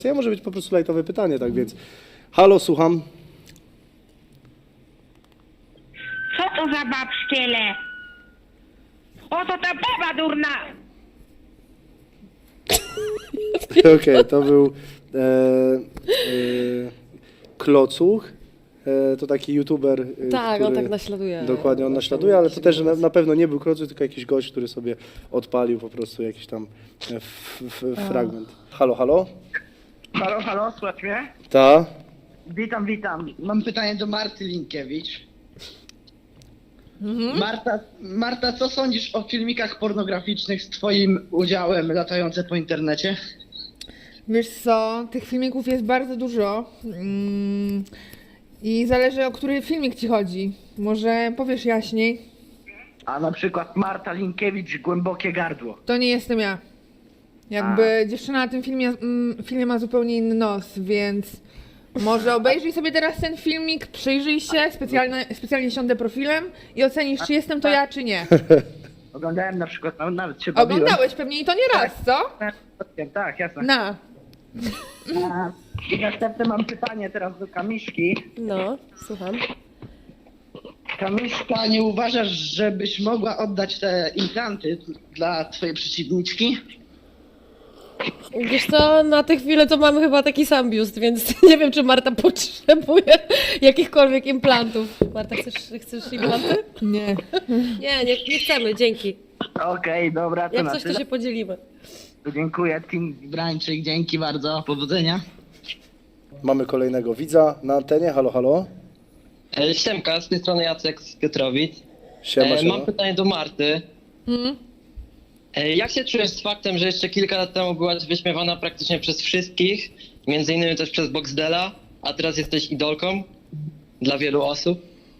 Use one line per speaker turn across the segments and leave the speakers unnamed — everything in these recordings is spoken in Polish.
Może być po prostu lajtowe pytanie, tak więc. Halo, słucham.
Co to za babszkiele? Oto ta baba durna!
Okej, to był Klocuch. To taki youtuber,
Tak,
który,
on tak naśladuje.
Dokładnie, on naśladuje, ale to też na pewno nie był Klocuch, tylko jakiś gość, który sobie odpalił po prostu jakiś tam fragment. Halo, halo?
Halo, halo, słuchaj mnie?
Ta?
Witam, witam. Mam pytanie do Marty Linkiewicz. Marta, co sądzisz o filmikach pornograficznych z twoim udziałem latające po internecie?
Wiesz co, tych filmików jest bardzo dużo i zależy, o który filmik ci chodzi. Może powiesz jaśniej?
A na przykład Marta Linkiewicz, Głębokie gardło.
To nie jestem ja. Jakby dziewczyna na tym filmie ma zupełnie inny nos, więc może obejrzyj sobie teraz ten filmik, przyjrzyj się, specjalnie siądę profilem i ocenisz, czy jestem to ja, czy nie.
Oglądałem na przykład, nawet się bawiłem.
Oglądałeś pewnie i to nie raz, co?
Tak, jasne.
Na.
I następne mam pytanie teraz do Kamiszki.
No, słucham.
Kamiszka, nie uważasz, żebyś mogła oddać te implanty dla twojej przeciwniczki?
Wiesz co, na tę chwilę to mamy chyba taki sam biust, więc nie wiem, czy Marta potrzebuje jakichkolwiek implantów. Marta, chcesz implanty?
Nie.
Nie chcemy, dzięki.
Okej, dobra, to
Jak
na
coś, to
tyle.
się podzielimy.
Dziękuję, Team Brańczyk, dzięki bardzo, powodzenia.
Mamy kolejnego widza na antenie. Halo, halo?
Siemka, z tej strony Jacek z Piotrowic.
Siema, siema.
Mam pytanie do Marty. Jak się czujesz z faktem, że jeszcze kilka lat temu byłaś wyśmiewana praktycznie przez wszystkich, między innymi też przez Boxdela, a teraz jesteś idolką dla wielu osób?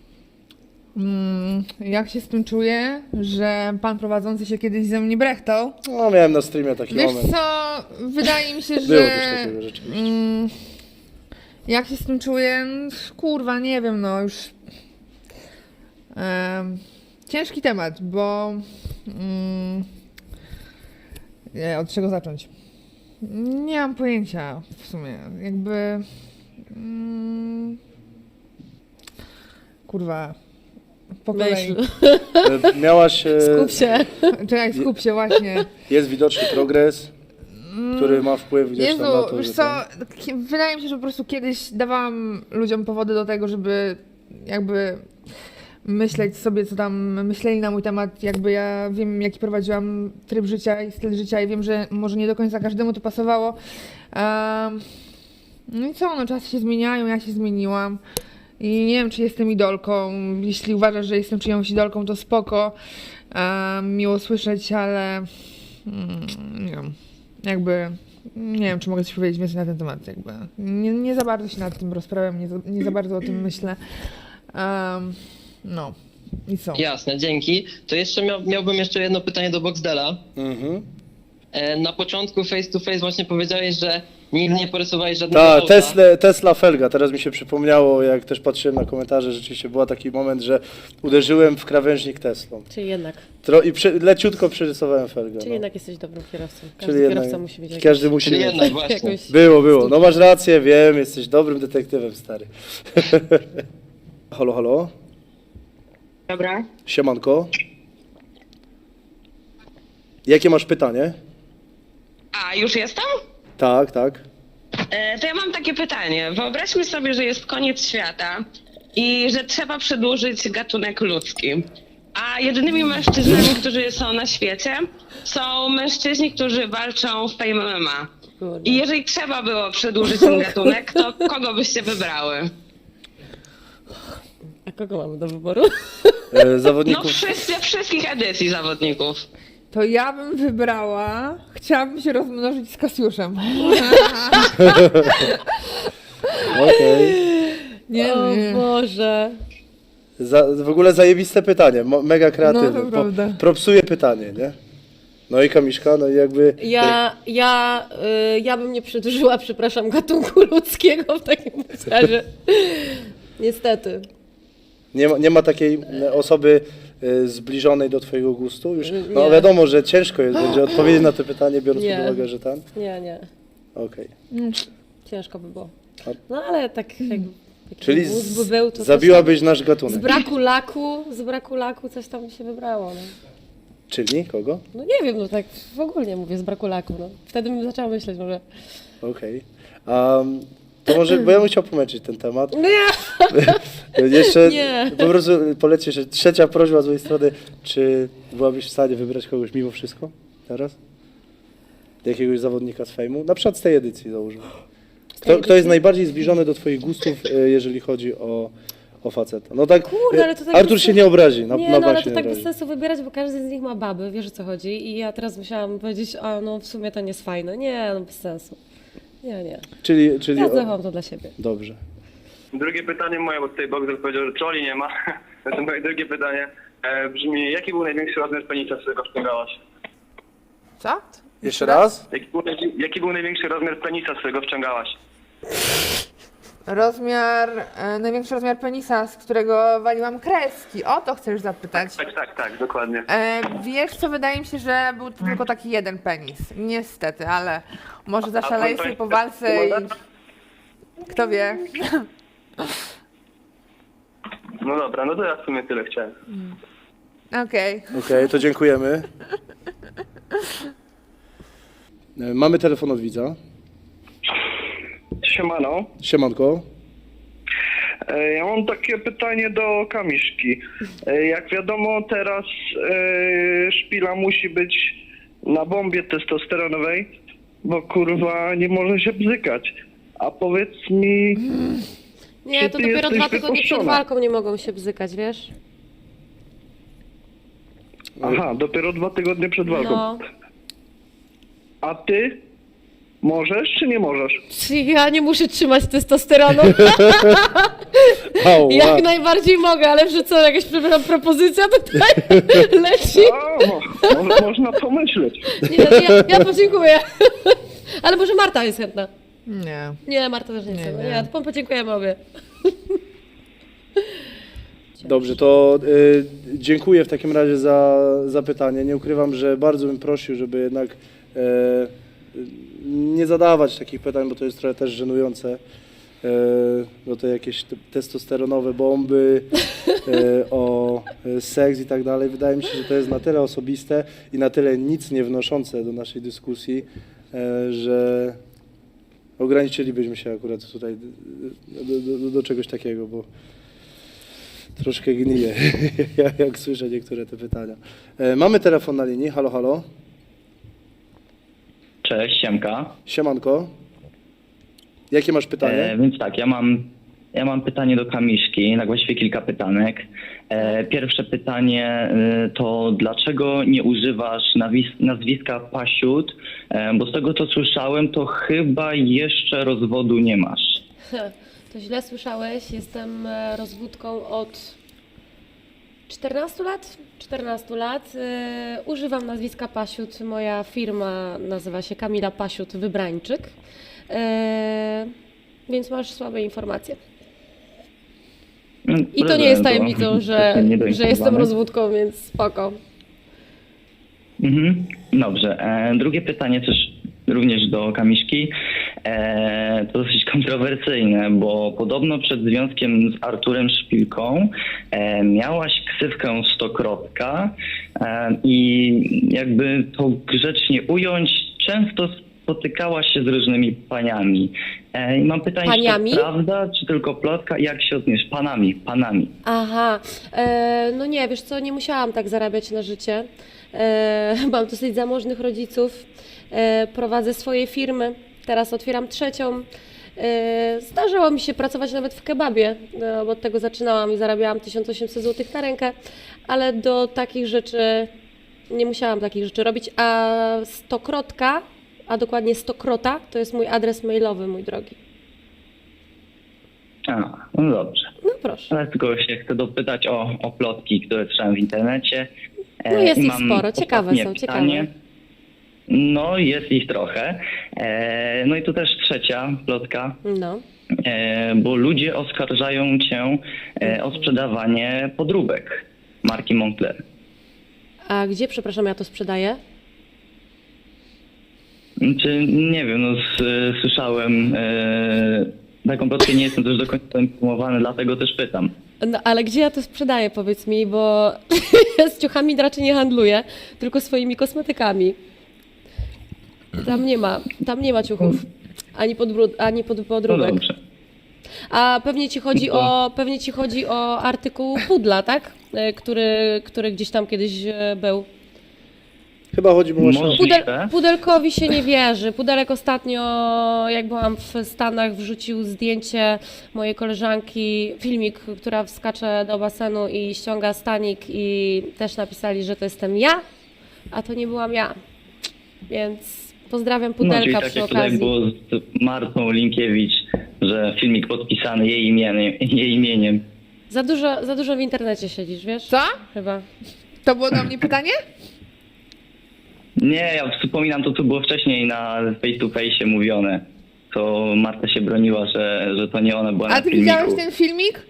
Jak się z tym czuję, że pan prowadzący się kiedyś ze mnie brechtał?
No, miałem na streamie taki
Wiesz
moment.
co, wydaje mi się, że...
Było coś takiego rzeczywiście.
Jak się z tym czuję? Kurwa, nie wiem, no już... Ciężki temat, bo... Nie, od czego zacząć? Nie mam pojęcia w sumie, jakby... Kurwa, po kolei.
Myśl,
Miałaś...
skup się.
Czekaj, skup się właśnie.
Jest widoczny progres, który ma wpływ gdzieś
Jezu,
tam na to,
wiesz
że
co, wydaje mi się, że po prostu kiedyś dawałam ludziom powody do tego, żeby jakby myśleć sobie, co tam myśleli na mój temat, jakby ja wiem, jaki prowadziłam tryb życia i styl życia i wiem, że może nie do końca każdemu to pasowało. No i co, no czasy się zmieniają, ja się zmieniłam i nie wiem, czy jestem idolką. Jeśli uważasz, że jestem czyjąś idolką, to spoko, miło słyszeć, ale nie wiem, jakby nie wiem, czy mogę coś powiedzieć więcej na ten temat, jakby nie za bardzo się nad tym rozprawiam, nie za bardzo o tym myślę. No i co?
Jasne, dzięki. To jeszcze miałbym jeszcze jedno pytanie do Boxdela.
Mhm.
Na początku face to face właśnie powiedziałeś, że nigdy nie porysowałeś żadnego
Tak,
auta.
Tesla Felga. Teraz mi się przypomniało, jak też patrzyłem na komentarze, rzeczywiście był taki moment, że uderzyłem w krawężnik Teslą.
Czyli jednak,
Leciutko przerysowałem Felgę.
czyli
No.
jednak jesteś dobrym kierowcą.
Czyli
Każdy
jednak,
kierowca musi mieć
każdy musi
Czyli
mieć.
jednak właśnie.
jakąś...
Było. No masz rację, wiem, jesteś dobrym detektywem, stary. Halo, halo?
Dobra.
Siemanko. Jakie masz pytanie?
A, już jestem?
Tak.
To ja mam takie pytanie. Wyobraźmy sobie, że jest koniec świata i że trzeba przedłużyć gatunek ludzki. A jedynymi mężczyznami, którzy są na świecie, są mężczyźni, którzy walczą w Fame MMA.
Kurde.
I jeżeli trzeba było przedłużyć ten gatunek, to kogo byście wybrały?
A kogo mamy do wyboru?
No
Zawodników.
wszystkich edycji zawodników.
To ja bym wybrała, chciałabym się rozmnożyć z Kasiuszem.
Okej.
Nie,
O
nie.
Boże.
W ogóle zajebiste pytanie, mega kreatywne.
No, to prawda.
Propsuje pytanie, nie? No i Kamiszka, no i jakby...
Ja bym nie przedłużyła, przepraszam, gatunku ludzkiego w takim razie. Niestety.
Nie ma takiej osoby zbliżonej do twojego gustu? Już, no
Nie.
wiadomo, że ciężko jest będzie odpowiedzieć na to pytanie, biorąc
Nie.
pod uwagę, że tam.
Nie.
Okej.
Ciężko by było.
A-
No ale tak jakby taki
Czyli
mózg by był, to coś
zabiłabyś nasz
tam,
gatunek.
z braku laku coś tam się wybrało. No.
Czyli kogo?
No nie wiem, no tak w ogóle mówię, z braku laku. No. Wtedy bym zaczęła myśleć może.
Okej. To może, bo ja bym chciał pomęczyć ten temat.
Nie!
Jeszcze
Nie.
po prostu poleci jeszcze trzecia prośba z mojej strony. Czy byłabyś w stanie wybrać kogoś mimo wszystko teraz? Jakiegoś zawodnika z fejmu? Na przykład z tej edycji załóżmy. Kto jest najbardziej zbliżony do twoich gustów, jeżeli chodzi o faceta? No tak,
Kurde, ale to tak
Artur
bez
się nie obrazi, na
Nie,
bank
no ale
się
to
nie
tak bez
obrazi.
sensu wybierać, bo każdy z nich ma baby, wiesz o co chodzi. I ja teraz musiałam powiedzieć, a no w sumie to nie jest fajne. Nie, no bez sensu. Nie.
Czyli
Ja zachowam to dla siebie.
Dobrze.
Drugie pytanie moje, bo tutaj Boxer powiedział, że trolli nie ma. Zatem moje drugie pytanie brzmi, jaki był największy rozmiar penisa, z którego wciągałaś?
Co?
Jeszcze raz?
Jaki był największy rozmiar penisa, z którego wciągałaś?
Największy rozmiar penisa, z którego waliłam kreski. O to chcesz zapytać.
Tak, dokładnie.
Wiesz co, wydaje mi się, że był to tylko taki jeden penis. Niestety, ale może zaszaleję sobie po walce i... Kto wie?
No dobra, no to ja w sumie tyle chciałem.
Okej.
Okej, to dziękujemy. Mamy telefon od widza.
Siemano.
Siemanko.
Ja mam takie pytanie do Kamiszki. Jak wiadomo, teraz szpila musi być na bombie testosteronowej, bo kurwa nie może się bzykać. A powiedz mi,
Nie,
Czy
to
ty
dopiero
jesteś
2 tygodnie przed
wypuszczona?
walką nie mogą się bzykać, wiesz?
aha, dopiero 2 tygodnie przed walką.
No.
A ty możesz czy nie możesz?
Czy ja nie muszę trzymać testosteronu?
Ała.
Jak najbardziej mogę, ale że co, jakaś przepraszam, propozycja tutaj leci?
O, można pomyśleć.
Nie, ja podziękuję. Ale może Marta jest chętna.
Nie.
Nie, Marta też nie chce.
Nie.
Nie, to podziękujemy obie.
Dobrze, to dziękuję w takim razie za pytanie. Nie ukrywam, że bardzo bym prosił, żeby jednak nie zadawać takich pytań, bo to jest trochę też żenujące. No to jakieś testosteronowe bomby, o seks i tak dalej. Wydaje mi się, że to jest na tyle osobiste i na tyle nic nie wnoszące do naszej dyskusji, że ograniczylibyśmy się akurat tutaj do czegoś takiego, bo troszkę gniję, jak słyszę niektóre te pytania. Mamy telefon na linii. Halo, halo.
Cześć, siemka.
Siemanko. Jakie masz pytanie?
Więc tak, ja mam pytanie do Kamiszki, na właściwie kilka pytanek. Pierwsze pytanie to dlaczego nie używasz nazwiska Pasiut? Bo z tego co słyszałem, to chyba jeszcze rozwodu nie masz.
To źle słyszałeś, jestem rozwódką od 14 lat. 14 lat. Używam nazwiska Pasiut. Moja firma nazywa się Kamila Pasiut Wybrańczyk. Więc masz słabe informacje. I to nie jest tajemnicą, że jestem rozwódką, więc spoko.
Mhm, dobrze. Drugie pytanie też również do Kamiszki. To dosyć kontrowersyjne, bo podobno przed związkiem z Arturem Szpilką miałaś ksywkę Stokrotka i jakby to grzecznie ująć, często spotykałaś się z różnymi paniami. I mam pytanie,
Paniami?
czy to prawda, czy tylko plotka? Jak się odniesz? Panami.
Aha, no nie, wiesz co, nie musiałam tak zarabiać na życie. Mam dosyć zamożnych rodziców, prowadzę swoje firmy, teraz otwieram trzecią. Zdarzało mi się pracować nawet w kebabie, bo od tego zaczynałam i zarabiałam 1800 zł na rękę, ale do takich rzeczy nie musiałam takich rzeczy robić, a Stokrotka, a dokładnie Stokrota, to jest mój adres mailowy, mój drogi.
No dobrze.
No proszę.
Ale tylko się chcę dopytać o plotki, które słyszałem w internecie.
No jest
I
ich
mam
sporo, ciekawe
ostatnie
są,
pytanie.
ciekawe.
No jest ich trochę. No i tu też trzecia plotka,
No.
bo ludzie oskarżają cię o sprzedawanie podróbek marki Moncler.
A gdzie, przepraszam, ja to sprzedaję?
Czy nie wiem, no słyszałem taką plotkę, nie jestem też do końca informowany, dlatego też pytam.
No ale gdzie ja to sprzedaję, powiedz mi, bo z ciuchami raczej nie handluję, tylko swoimi kosmetykami. Tam nie ma ciuchów, ani
No
podróbek.
dobrze.
A pewnie ci chodzi o artykuł pudla, tak? Który gdzieś tam kiedyś był.
Chyba chodzi mu właśnie o...
Możliwe.
Pudelkowi się nie wierzy. Pudelek ostatnio, jak byłam w Stanach, wrzucił zdjęcie mojej koleżanki, filmik, która wskacze do basenu i ściąga stanik i też napisali, że to jestem ja, a to nie byłam ja. Więc pozdrawiam
No, czyli
Pudelka
tak
przy
jak tutaj
okazji.
było z Martą Linkiewicz, że filmik podpisany jej imieniem.
Za dużo w internecie siedzisz, wiesz?
Co?
Chyba.
To było do mnie pytanie?
Nie, ja wspominam to, co było wcześniej na face to face mówione. To Marta się broniła, że to nie ona była na
A ty
filmiku.
widziałeś ten filmik?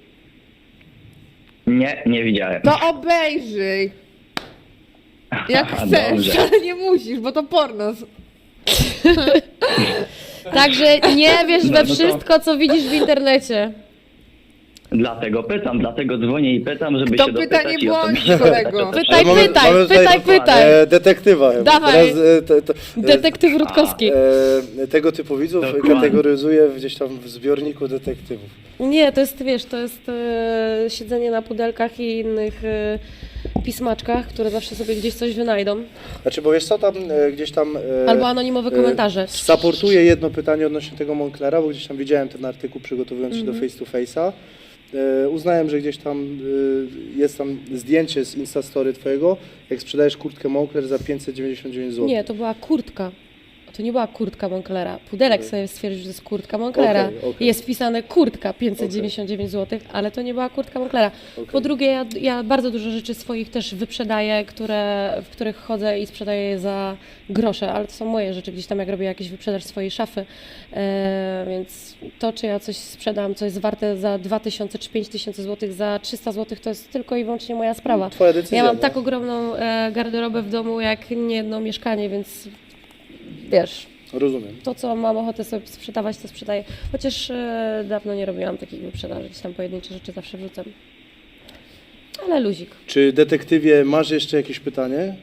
Nie widziałem.
To obejrzyj. Jak
Aha,
chcesz,
dobrze.
ale nie musisz, bo to porno.
Także nie wierz
No,
we
no to-
wszystko, co widzisz w internecie.
Dlatego pytam, dlatego dzwonię i pytam, żeby
To
się
pytanie
dopytać i
błądź,
osobiście
kolego.
zapytać.
Pytaj,
Mamy tutaj
pytaj.
detektywa chyba.
Dawaj.
Teraz,
Detektyw Rutkowski.
tego typu widzów
Dokładnie.
kategoryzuję gdzieś tam w zbiorniku detektywów.
Nie, to jest, wiesz, to jest siedzenie na pudelkach i innych pismaczkach, które zawsze sobie gdzieś coś wynajdą.
Znaczy, bo wiesz co, tam gdzieś tam...
Albo anonimowe komentarze.
Supportuję jedno pytanie odnośnie tego Monclera, bo gdzieś tam widziałem ten artykuł, przygotowując się do face to face'a. Uznałem, że gdzieś tam jest tam zdjęcie z Instastory twojego, jak sprzedajesz kurtkę Moncler za 599 zł.
Nie, to była kurtka. To nie była kurtka Monclera. Pudelek sobie stwierdził, że to jest kurtka Monclera.
Okej.
Jest wpisane kurtka 599 zł, ale to nie była kurtka Monclera.
Okej.
Po drugie, ja bardzo dużo rzeczy swoich też wyprzedaję, w których chodzę i sprzedaję je za grosze, ale to są moje rzeczy, gdzieś tam jak robię jakiś wyprzedaż swojej szafy. Więc to, czy ja coś sprzedam, co jest warte za 2000 czy 5000 zł, za 300 zł, to jest tylko i wyłącznie moja sprawa.
Twoja decyzja.
Ja mam
no.
tak ogromną garderobę w domu, jak nie jedno mieszkanie, więc wiesz,
Rozumiem.
to co mam ochotę sobie sprzedawać, to sprzedaję. Chociaż dawno nie robiłam takich wyprzedaży, gdzieś tam pojedyncze rzeczy zawsze wrzucam. Ale luzik.
Czy detektywie masz jeszcze jakieś pytanie?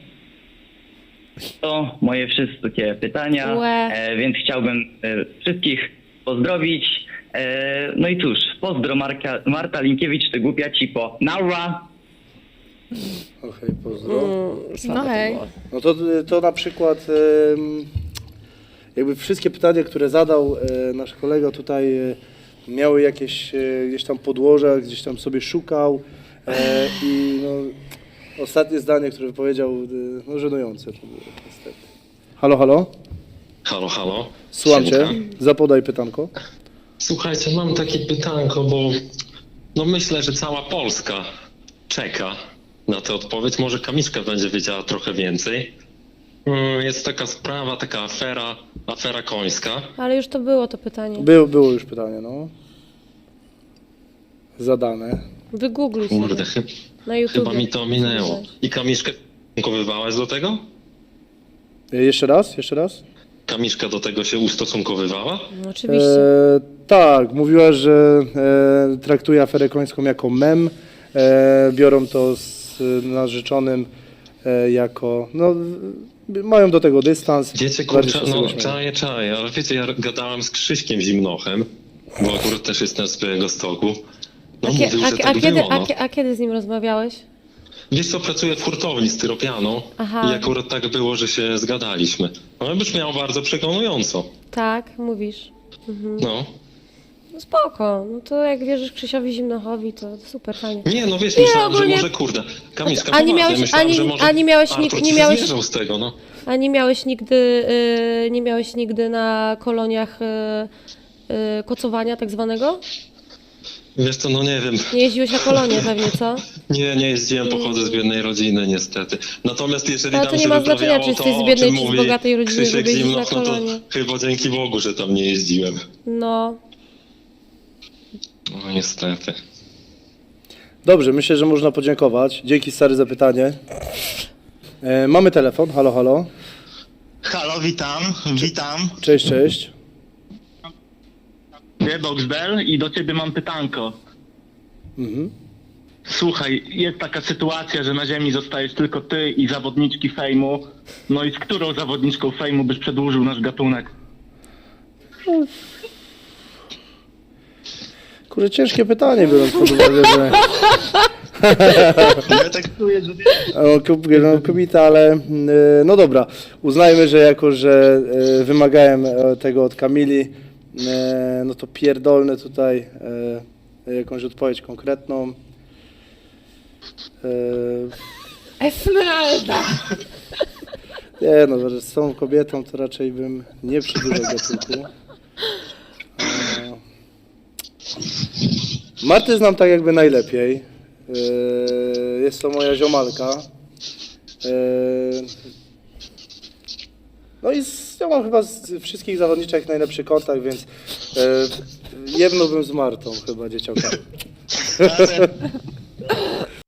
To moje wszystkie pytania,
Łe.
więc chciałbym wszystkich pozdrowić. No i cóż, pozdro Marta Linkiewicz, ty głupia cipo. Naura!
Okej, pozdro.
Słabe
No
to
hej.
było.
No to na przykład jakby wszystkie pytania, które zadał nasz kolega tutaj miały jakieś gdzieś tam podłoże, gdzieś tam sobie szukał i no, ostatnie zdanie, które powiedział, no żenujące to było niestety. Halo, halo?
Halo, halo.
Słucham cię.
Siemka.
Zapodaj pytanko.
Słuchajcie, mam takie pytanko, bo no myślę, że cała Polska czeka na tę odpowiedź. Może Kamiszka będzie wiedziała trochę więcej. Jest taka sprawa, taka afera końska.
Ale już to było to pytanie.
Było już pytanie, no. Zadane.
Wygoogluj sobie
Kurde,
na YouTube.
chyba mi to minęło. I Kamiszkę ustosunkowywałaś do tego?
Jeszcze raz?
Kamiszka do tego się ustosunkowywała?
No, oczywiście.
Tak, mówiła, że traktuje aferę końską jako mem. Biorą to z narzeczonym jako, no, mają do tego dystans.
Wiecie,
bardziej
kurczę,
się z
no
tego śmieją.
czaję, ale wiecie, ja gadałem z Krzyśkiem Zimnochem, bo akurat też jestem z Białegostoku. No mówił, że tak było, no.
A kiedy z nim rozmawiałeś?
Wiesz co, pracuję w hurtowni styropianą
Aha.
i akurat tak było, że się zgadaliśmy. No brzmiało bardzo przekonująco.
Tak, mówisz.
No.
No spoko, no to jak wierzysz Krzysiowi Zimnochowi, to super, fajnie.
Nie, no wiesz,
Nie,
myślałem,
ogólnie-
że może kurde. Kamiszka,
A nie
poważnie,
miałeś-
myślałem,
ani-
że może
ani miałeś
Artur
nik-
ci
nie miałeś-
zwierzał z tego, no.
A nie miałeś nigdy na koloniach kocowania tak zwanego?
Wiesz co, no nie wiem.
Nie jeździłeś na kolonie pewnie, co?
Nie jeździłem, pochodzę z biednej rodziny niestety. Natomiast jeżeli
Ale
tam
to nie
się
ma znaczenia,
wyprawiało
czy jesteś
to,
z
o
biednej,
czym
czy z
mówi
bogatej rodziny,
Krzysiek
żeby jeździć na
Zimnoch, no to
kolonie.
chyba dzięki Bogu, że tam nie jeździłem.
No,
No niestety.
Dobrze, myślę, że można podziękować. Dzięki stary za pytanie. Mamy telefon. Halo, halo.
Halo, witam.
Cześć, cześć.
Boxdel i do ciebie mam pytanko.
Mhm.
Słuchaj, jest taka sytuacja, że na ziemi zostajesz tylko ty i zawodniczki fejmu. No i z którą zawodniczką fejmu byś przedłużył nasz gatunek?
Kurde, ciężkie pytanie, biorąc pod uwagę, że...
Ja tak czuję, że...
Kobieta, ale no dobra, uznajmy, że jako, że wymagałem tego od Kamili, no to pierdolnę tutaj jakąś odpowiedź konkretną.
Esmeralda!
Nie no, że z tą kobietą to raczej bym nie przedłużał gatunku. Martę znam tak jakby najlepiej. Jest to moja ziomalka. No i ja mam chyba z wszystkich zawodniczek najlepszy kontakt, więc jebnąłbym z Martą chyba, dzieciaka.